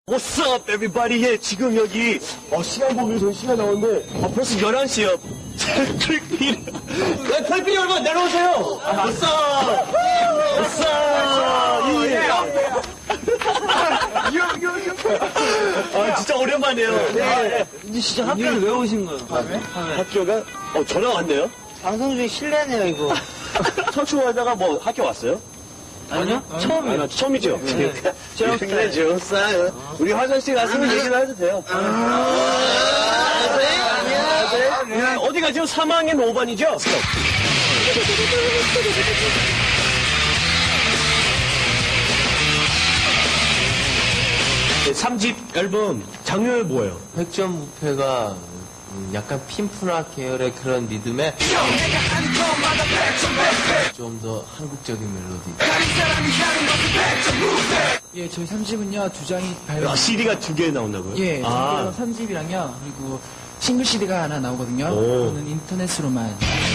What's up, everybody? 예, 지금 여기, 시간 보면 저희 시간 나오는데, 벌써 11시요. 털핀 여러분, 내려오세요! What's up? What's up? 진짜 오랜만이에요. 네. 이제 진짜 학교를 왜 오신 거예요? 학교가, 전화 왔네요? 방송 중에 실례네요, 이거. 청춘하다가 뭐 학교 왔어요? 아니요? 처음이에요. 처음이죠? 네, 좋았어요. 우리 화장실 갔으면 얘기를 해도 돼요. 안녕하세요. 어디 가죠? 3학년 5반이죠? 3집 앨범 장르 뭐예요? 획전무패가 약간 핀프라 계열의 그런 리듬에 좀 더 한국적인 멜로디. 예, 저희 3집은요, 두 장이 발매. CD가 2개 나온다고요? 예, 아. 3집이랑요, 그리고 싱글 CD가 하나 나오거든요. 오. 그거는 인터넷으로만.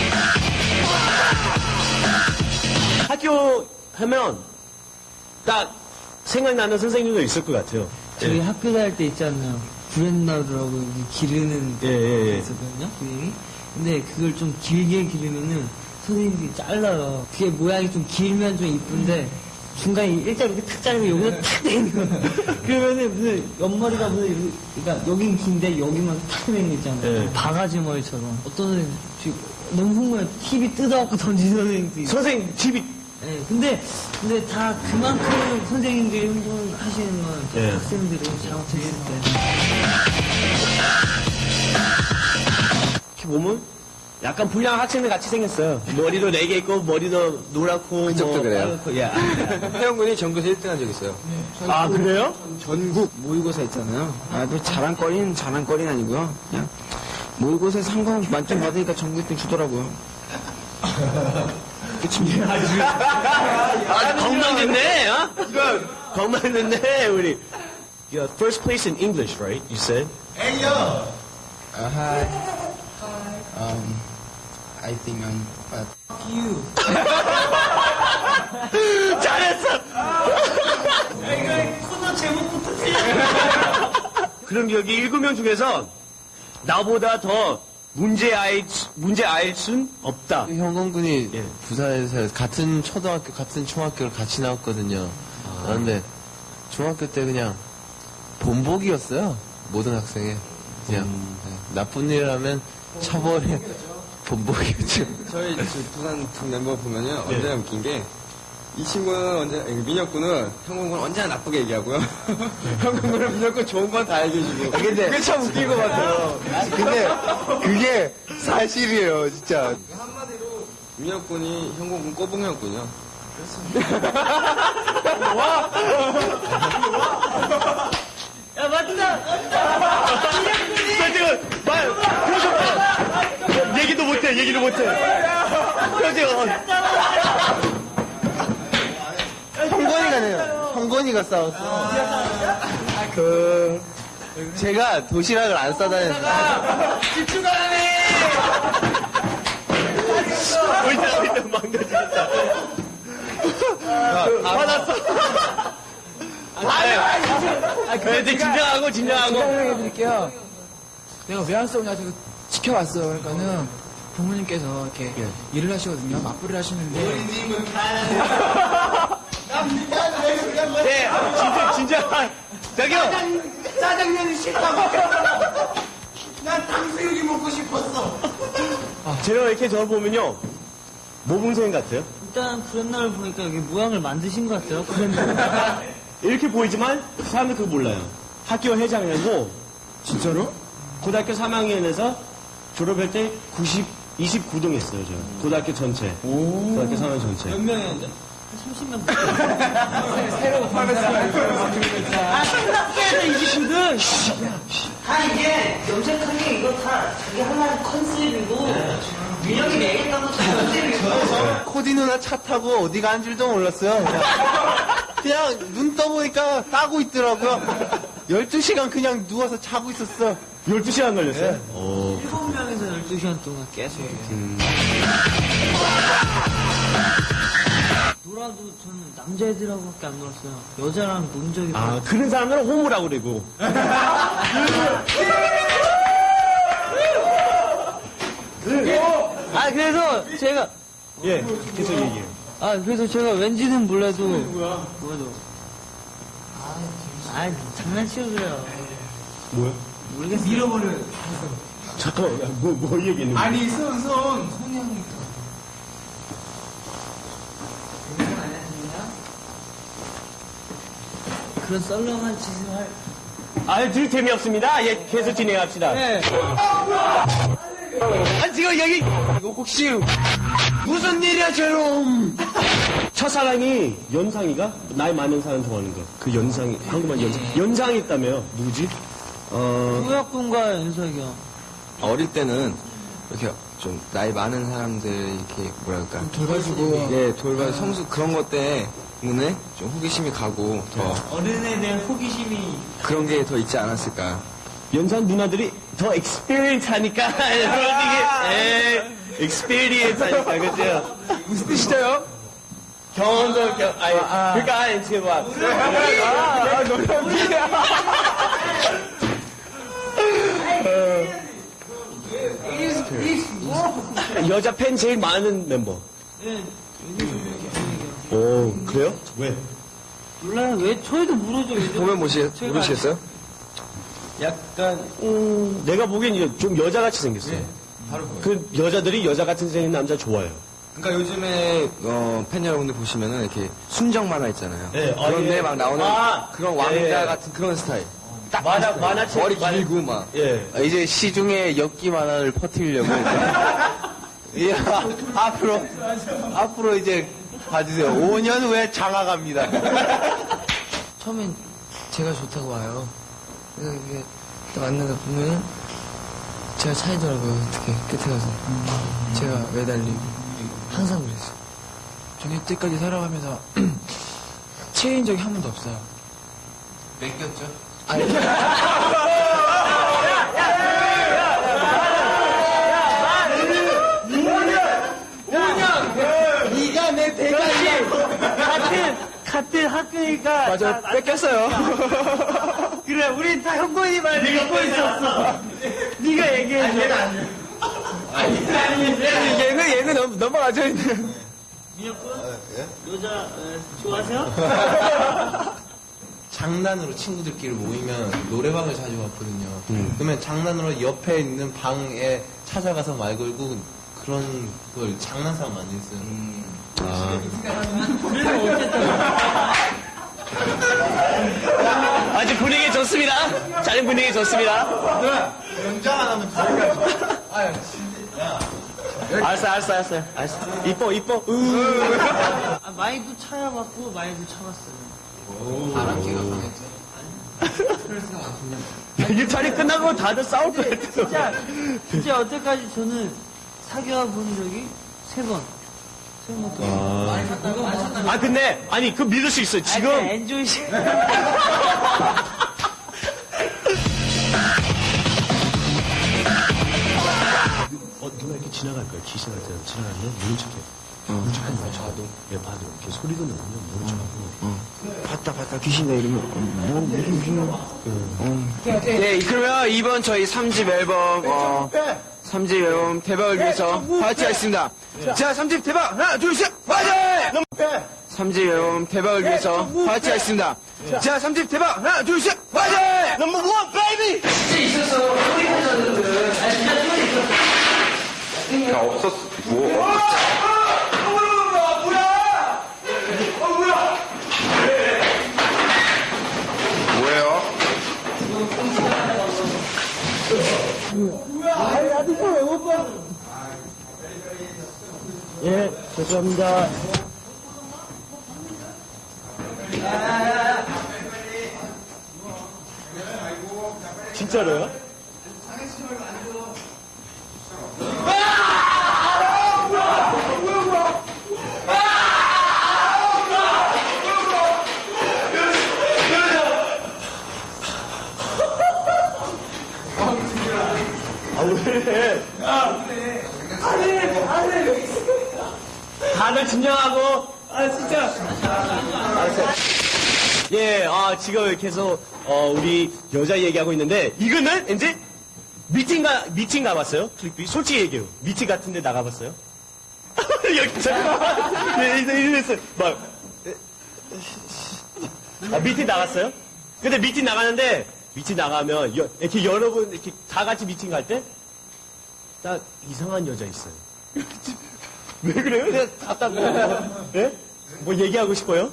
학교 하면 딱 생각나는 선생님도 있을 것 같아요. 저희 학교 다닐 때 있잖아요. 브랜나드라고 기르는 예, 예, 예. 있었거든요, 선생님이. 근데 그걸 좀 길게 기르면은 선생님들이 잘라요. 그게 모양이 좀 길면 좀 이쁜데 중간에 일자로 이렇게 탁 자르고 여기서 탁 되는 거예요. 그러면은 무슨 옆머리가 무슨 그러니까 여긴 긴데 여기만 탁 되는 거 있잖아요. 예. 바가지 머리처럼. 어떤 선생님 지금 너무 흥분해 TV 뜯어갖고 던지는 선생님도 있어요. 선생님 집이 네, 근데 다 그만큼 선생님들이 흥분하시는 건 예. 학생들이 잘못했을 때. 이렇게 보면 약간 불량한 학생들 같이 생겼어요. 머리도 4개 있고 머리도 노랗고 그쪽도 그래요? 빨갛고, 예. 태영군이 전국에서 1등 한 적 있어요. 아 그래요? 전국 모의고사 있잖아요. 뭐 자랑거리는 아니고요. 그냥 모의고사 상관 만점 받으니까 전국 1등 주더라고요. 건강됐네, 어? 건강됐네, 우리. You're first place in English, right? You said? Hi. I think I'm but 잘했어! 그럼 여기 7명 중에서 나보다 더 문제 알 순 없다. 형건군이 예. 부산에서 같은 초등학교, 같은 중학교를 같이 나왔거든요. 그런데 중학교 때 그냥 본보기였어요. 모든 학생의. 그냥 네. 나쁜 일 하면 처벌에 본보기였죠. 저희 부산 팀 멤버 보면요 언제나 웃긴 게 이 친구는 민혁군은 형군은 언제나 나쁘게 얘기하고요. 형군은 민혁군 좋은 건 다 얘기해주고. 근데 그게 참 웃긴 것 같아요. 근데 그게 사실이에요, 진짜. 한마디로 민혁군이 형군군 꼬붕형군이요. 야, 맞다! 지금 표정 얘기도 못해. 표정. 형건이가 네요. 형건이가 싸웠어. 제가 도시락을 안 싸다녔는데. 일단 망가지겠다. 화났어. 이제 진정하고. 설명해드릴게요. 내가 왜 안 싸우냐, 제가 지켜봤어요. 그러니까는 부모님께서 이렇게 일을 하시거든요. 맞벌이를 하시는데. 네, 진짜. 저기요. 짜장면이 싫다고. 난 탕수육이 먹고 싶었어. 제가 이렇게 저를 보면요. 모범생 같아요. 일단 브랜나를 보니까 여기 모양을 만드신 것 같아요. 브랜나. 이렇게 보이지만 사람들 그거 몰라요. 학교 회장이고 진짜로? 고등학교 3학년에서 졸업할 때 29등 했어요, 저. 고등학교 전체. 고등학교 3학년 전체. 몇 명이었는데? 30명. 새로 아, 3학년에서 29등! 이게 염색한 게 이거 다 자기 하나의 컨셉이고, 민혁이 내겠다고 컨셉이고. 코디 누나 차 타고 어디가 한 줄도 몰랐어요. 그냥 눈 떠보니까 따고 있더라고요. 12시간 그냥 누워서 자고 있었어. 12시간 걸렸어요? 7명에서 12시간 동안 계속. 놀아도 저는 남자애들하고밖에 안 놀았어요. 여자랑 논 적이 아, 그런 사람들은 호모라고 그러고. 아 그래서 제가 예, 계속 얘기해요. 그래서 제가 왠지는 몰라도 장난치고 그래요. 뭐야? 모르겠어요. 밀어버려요. 잠깐만, 뭐 얘기했는 거야? 아니, 손이 형이. 그런 썰렁한 짓을 할. 들 재미없습니다. 예, 계속 진행합시다. 네. 지금 여기 이거 혹시 무슨 일이야 제롬? 첫사랑이 연상이가 나이 많은 사람 좋아하는 거. 그 연상이 한국말 연상이 있다며요. 누구지? 우혁군과 연석이요. 어릴 때는 이렇게 좀 나이 많은 사람들 이렇게 뭐랄까 돌봐주고. 예 돌봐 성수 그런 것 때문에 좀 호기심이 가고 더 어른에 대한 호기심이. 그런 게 더 있지 않았을까. 연상 누나들이 더 experience 하니까 솔직히 experience 하니까 그죠? 무슨 뜻이죠? 경험도 그러니까 지금 막 여자 팬 제일 많은 멤버. 네. 오 그래요? 왜? 몰라요. 왜 저희도 모르죠. 요즘. 보면 모르시겠어요? 약간 내가 보기엔 이제 좀 여자같이 생겼어요. 바로 그거예요. 그 여자들이 여자같이 생긴 남자 좋아해요. 그러니까 요즘에 팬 여러분들 보시면은 이렇게 순정 만화 있잖아요. 네, 그런데 막 나오는 예, 그런 왕자 예. 같은 그런 스타일. 딱 만화책 머리 길고 막. 예. 이제 시중에 엽기 만화를 퍼뜨리려고 예, 앞으로 이제 봐주세요. 5년 후에 장화갑니다. 처음엔 제가 좋다고 와요. 그래서 이게 딱 왔는가 보면은 제가 차이더라고요. 어떻게 끝에 가서 제가 매달리고 항상 그랬어요. 저는 이때까지 살아가면서 체인 적이 한 번도 없어요. 뺏겼죠? 아니, 네가 내 대가리. 같은 학교니까. 맞아, 뺏겼어요. 그래, 우리 다 형권이 말 믿고 있었어. 네가 얘기해줘. 얘는 넘어가죠. 민혁군? 여자 좋아하세요? 장난으로 친구들끼리 모이면 노래방을 자주 갔거든요. 그러면 장난으로 옆에 있는 방에 찾아가서 말 걸고 그런 걸 장난삼아 많이 했어요. 그래서 어쨌든. 아주 분위기 좋습니다. 자리 분위기 좋습니다. 연장 안 하면 알았어. 이뻐. 많이도 차여봤고, 많이도 참았어요. 바람기가 강했죠. 이 자리 끝나고 다들 싸울 것 같아요. 진짜 여태까지 저는 사귀어 본 적이 3번. 근데 그 믿을 수 있어요. 지금 엔조이 씨. 누가 이렇게 지나갈 거야. 귀신할 때 지나가면 모른 척해. 모른 척하는 거야. 봐도. 예, 봐도. 이렇게 소리도 나면 모른 척하고. 봤다 귀신이다 이러면 무슨 귀신이야. 네, 그러면 이번 저희 3집 앨범 3집 앨범 대박을 위해서 파이팅하겠습니다. 자, 3집 대박 하나 둘 셋 파이팅! 3집 앨범 대박을 위해서 파이팅하겠습니다. 자, 3집 대박 하나 둘 셋 파이팅! 넘버 원 베이비! 예, 죄송합니다. 진짜로요? 다들 진정하고 예, 지금 계속, 우리 여자 얘기하고 있는데, 이거는 이제 미팅 가봤어요? 클릭비? 솔직히 얘기해요. 미팅 같은데 나가봤어요? 여기, 잠깐만. 네, 이랬어요. 미팅 나갔어요? 근데 미팅 나가는데, 미팅 나가면, 이렇게 여러분, 이렇게 다 같이 미팅 갈 때, 딱 이상한 여자 있어요. 왜 그래요? 내가 갖다 뭐, 예? 뭐 얘기하고 싶어요?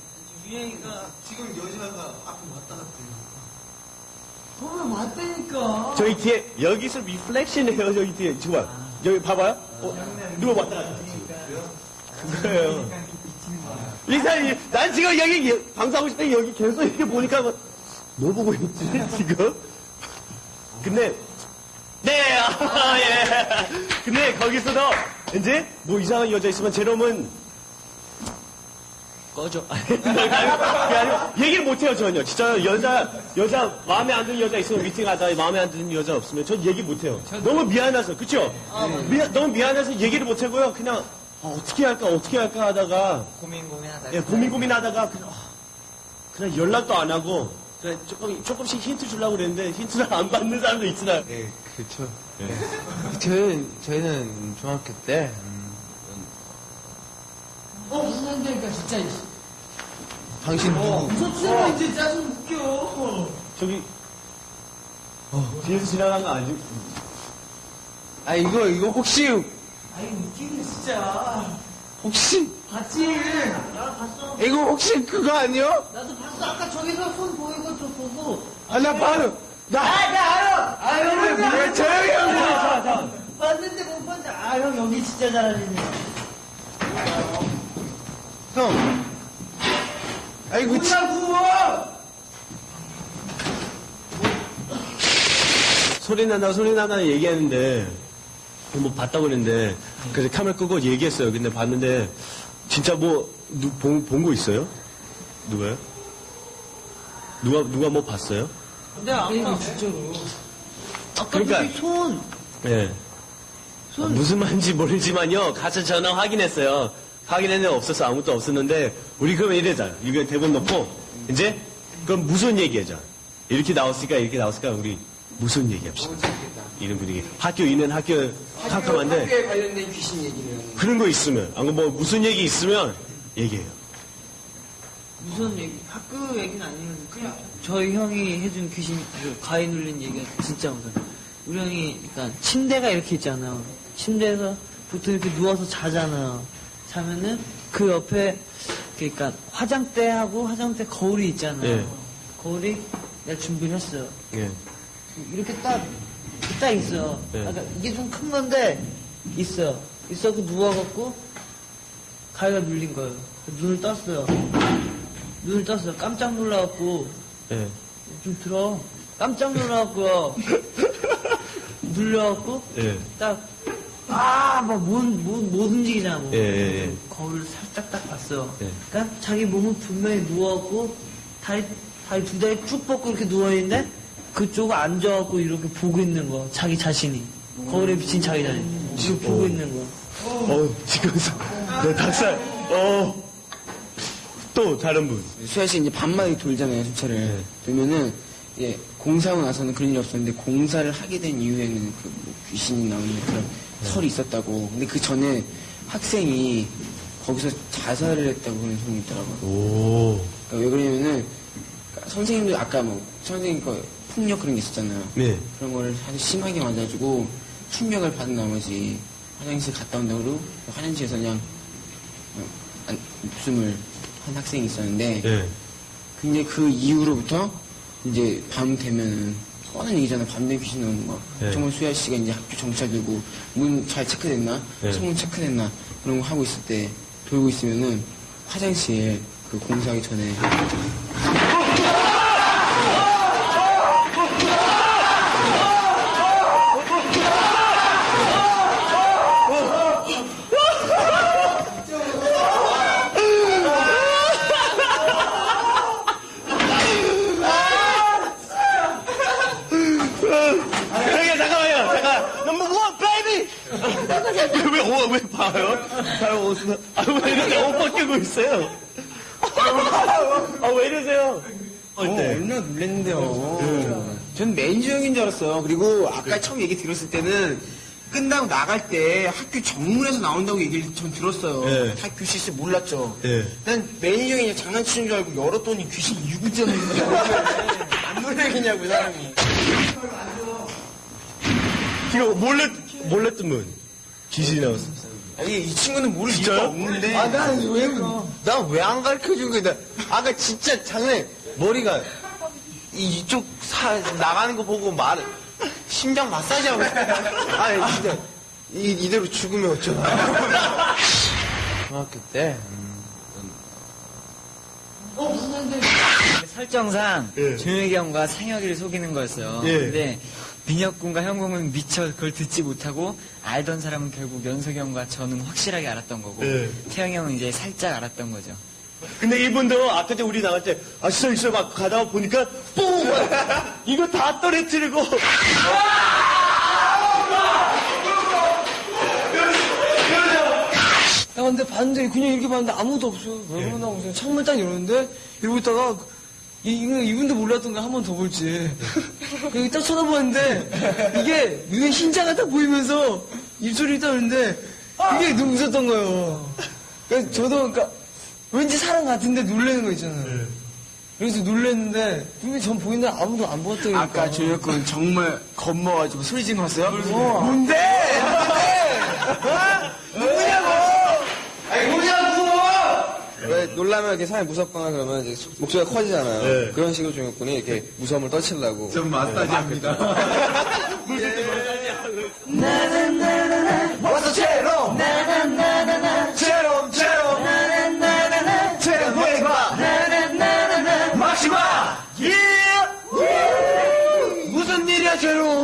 맞다니까. 저기 뒤에, 여기서 리플렉션이에요, 저기 뒤에. 지금 봐. 여기 봐봐요. 누가 왔다 갔다. 그래요. 이사님, 난 지금 여기 방송하고 싶을 때 여기 계속 이렇게 보니까 뭐 보고 있지, 지금? 근데, 네, 예. 근데 거기서도 이제 뭐 이상한 여자 있으면 제롬은 꺼져. 그게 아니고 얘기를 못해요, 전혀. 진짜 여자 마음에 안 드는 여자 있으면 미팅하다 마음에 안 드는 여자 없으면 전 얘기 못해요. 너무 미안해서, 그쵸? 너무 미안해서 얘기를 못하고요. 그냥 어떻게 할까 하다가 고민하다. 예, 고민하다가 그냥 연락도 안 하고 그냥 조금씩 힌트 주려고 그랬는데 힌트를 안 받는 사람도 있잖아요. 예, 그렇죠. 저희는 중학교 때 무슨 한다니까, 진짜. 당신 누구? 무섭지마, 이제 짜증 웃겨. 저기 뒤에서 지나간 거 아니지? 아 이거 혹시 아이, 웃기네, 진짜. 혹시 봤지? 나 봤어. 이거 혹시 그거 아니요? 나도 봤어. 아까 저기서 손 보이고 저 보고. 아 나 바로 나 알아! 왜 조용히 하고 봤는데 못 봤는데. 형, 여기 진짜 잘하시네. 형 아이고 소리 난다 얘기했는데 뭐 봤다고 그랬는데 그래서 카메라 끄고 얘기했어요. 근데 봤는데 진짜 뭐 본 거 있어요? 누가요? 누가 뭐 봤어요? 근데 아까 진짜로. 아까 그러니까- 저기 손. 예. 무슨 말인지 모르지만요. 가서 전화 확인했어요. 확인했는데 없어서 아무것도 없었는데 우리 그러면 이래자. 이거 대본 넣고 이제 그럼 무슨 얘기하자. 이렇게 나왔으니까 우리 무슨 얘기합시다. 이런 분위기. 학교 캄캄한데 학교에 관련된 귀신 얘기를. 그런 거 있으면 뭐 무슨 얘기 있으면 얘기해요. 무슨 얘기? 학교 얘기는 아니면 그냥 저희 형이 해준 귀신 그 가위 눌린 얘기가 진짜 무서워. 우리 형이 그러니까 침대가 이렇게 있잖아요. 침대에서 보통 이렇게 누워서 자잖아요. 자면은 그 옆에 그러니까 화장대하고 화장대 거울이 있잖아요. 예. 거울이 내가 준비를 했어요. 예. 이렇게 딱 있어요. 네. 그러니까 이게 좀 큰 건데 있어. 있어서 누워갖고 가위가 눌린 거예요. 눈을 떴어요. 깜짝 놀라갖고 예. 좀 들어. 깜짝 놀라갖고요. 눌려갖고 예. 못 움직이잖아. 뭐. 예. 거울을 살짝 딱 봤어요. 예. 그러니까 자기 몸은 분명히 누워갖고 다리 두 다리 쭉 뻗고 이렇게 누워있는데 그쪽을 앉아갖고 이렇게 보고 있는 거. 자기 자신이. 거울에 비친 자기 자신. 지금 보고 있는 거. 지금 네, 닭살. 또 다른 분. 수야 씨 이제 밤마다 돌잖아요, 수차를. 그러면은, 예, 공사하고 나서는 그런 일이 없었는데, 공사를 하게 된 이후에는 그 뭐 귀신이 나오는 그런 설이 있었다고. 근데 그 전에 학생이 거기서 자살을 했다고 그런 소문이 있더라고요. 오. 그러니까 왜 그러냐면은, 선생님도 아까 선생님 거 폭력 그런 게 있었잖아요. 네. 그런 거를 아주 심하게 맞아주고, 충격을 받은 나머지 화장실 갔다 온다고 그러고, 화장실에서 그냥, 목숨을 한 학생이 있었는데, 예. 근데 그 이후로부터 이제 밤 되면은 뻔한 얘기잖아. 밤 되면 귀신 나오는 거. 네. 정말 수야 씨가 이제 학교 정차 들고 문 잘 체크됐나? 네. 창문 체크됐나? 그런 거 하고 있을 때 돌고 있으면은 화장실 그 공사하기 전에 잠깐만요. 잠깐. Number one, baby. 왜 봐요? 잘 옷은, 왜 이러세요? 옷 벗기고 있어요? 왜 이러세요? 얼마나 놀랐는데요. 전 매니저 형인 줄 알았어요. 그리고 아까 처음 얘기 들었을 때는 끝나고 나갈 때 학교 정문에서 나온다고 얘기를 전 들었어요. 네. 학교 실수 몰랐죠. 네. 난 매니저 형이 장난치는 줄 알고 열었더니 귀신 유구점인 줄 알고 안 놀래겠냐고 사람이. 이거 몰래 뜨면 귀신이 나왔어. 아니 이 친구는 모를 이유가 진짜요? 없는데. 난 왜 안 가르쳐 준 거야? 아까 진짜 장난해. 머리가 이쪽 나가는 거 보고 심장 마사지 하고 있어. 아니, 진짜. 이대로 죽으면 어쩌나. 중학교 때 설정상 예. 조용혁이 형과 상혁이를 속이는 거였어요. 예. 근데 민혁 군과 형 군은 미처 그걸 듣지 못하고 알던 사람은 결국 연석이 형과 저는 확실하게 알았던 거고 예. 태영이 형은 이제 살짝 알았던 거죠. 근데 이분도 아까 전에 우리 나갈 때, 있어, 막 가다가 보니까, 뿡! 이거 다 떨어뜨리고. 근데 봤는데 그냥 이렇게 봤는데 아무도 없어요. 왜 그러나 무슨 창문 딱 열었는데 이러고 있다가 이분도 몰랐던 거 한 번 더 볼지. 여기 딱 쳐다보는데 이게 눈에 흰자가 딱 보이면서 입술이 떠는데 그게 너무 무섭던 거예요. 그래서 저도 그러니까 왠지 사람 같은데 놀라는 거 있잖아요. 그래서 놀랐는데 근데 전 보이는데 아무도 안 보았더니 아까 조혁군 정말 겁먹어가지고 소리 질렀어요? 뭔데? 왜 놀라면 이렇게 사람이 무섭거나 그러면 이제 목소리가 커지잖아요. 네. 그런 식으로 종혁군이 이렇게 무서움을 떨치려고. 전 마사지 합니다. 와서 제롬! 제롬, 제롬! 제롬, 해봐! 마시마! 예! 무슨 일이야, 제롬?